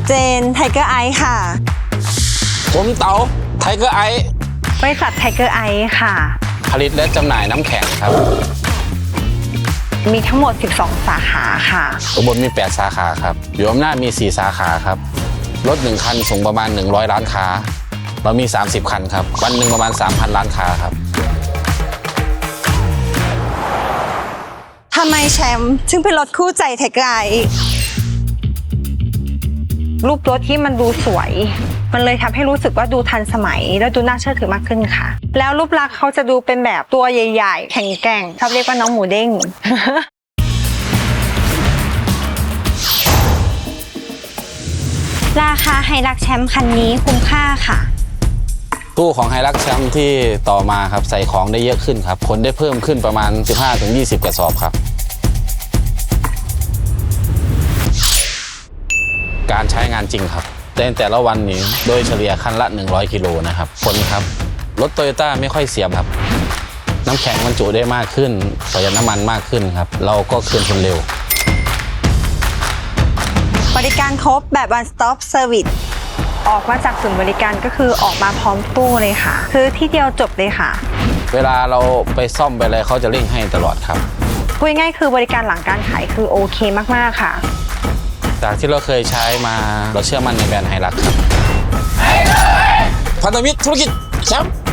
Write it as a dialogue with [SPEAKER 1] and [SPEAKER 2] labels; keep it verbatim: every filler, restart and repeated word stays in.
[SPEAKER 1] เจนไทเกอร์ไอซ์ค่ะ
[SPEAKER 2] ผมเต๋าไทเกอร์ไอซ์
[SPEAKER 1] บริษัทไทเกอร์ไอซ์ค่ะ
[SPEAKER 2] ผลิตและจำหน่ายน้ำแข็งครับ
[SPEAKER 1] มีทั้งหมดสิบสองสาขาค่ะ
[SPEAKER 2] อุบลมีแปดสาขาครับอยู่อำนาจมีสี่สาขาครับรถหนึ่งคันส่งประมาณหนึ่งร้อยร้านค้าเรามีสามสิบคันครับวันหนึ่งประมาณ สามพัน ร้านค้าครับ
[SPEAKER 1] ทำไมแชมป์ถึงเป็นรถคู่ใจไทเกอร์ไอซ์รูปรถที่มันดูสวยมันเลยทำให้รู้สึกว่าดูทันสมัยแล้วดูน่าเชื่อถือมากขึ้นค่ะแล้วรูปลักษณ์เขาจะดูเป็นแบบตัวใหญ่ๆแข็งแกร่งชอบเรียกว่าน้องหมูเด้ง ราคาไฮรักแชมป์คันนี้คุ้มค่าค่ะ
[SPEAKER 2] ตู้ของไฮรักแชมป์ที่ต่อมาครับใส่ของได้เยอะขึ้นครับคนได้เพิ่มขึ้นประมาณ สิบห้าถึงยี่สิบ กระสอบครับการใช้งานจริงครับในแต่ละวันนี้โดยเฉลี่ยคันละหนึ่งร้อยกิโลนะครับคนครับรถโตโยต้าไม่ค่อยเสียครับน้ำแข็งบรรจุได้มากขึ้นประหยัดน้ำมันมากขึ้นครับเราก็คืนทุนเร็ว
[SPEAKER 1] บริการครบแบบ one stop service ออกมาจากศูนย์บริการก็คือออกมาพร้อมตู้เลยค่ะคือที่เดียวจบเลยค่ะ
[SPEAKER 2] เวลาเราไปซ่อมไปอะไรเขาจะเร่งให้ตลอดครับ
[SPEAKER 1] พูดง่ายๆคือบริการหลังการขายคือโอเคมากๆค่ะ
[SPEAKER 2] จากที่เราเคยใช้มาเราเชื่อมั่นในแบรนด์ไฮรักครับพันธมิตรธุรกิจแชมป์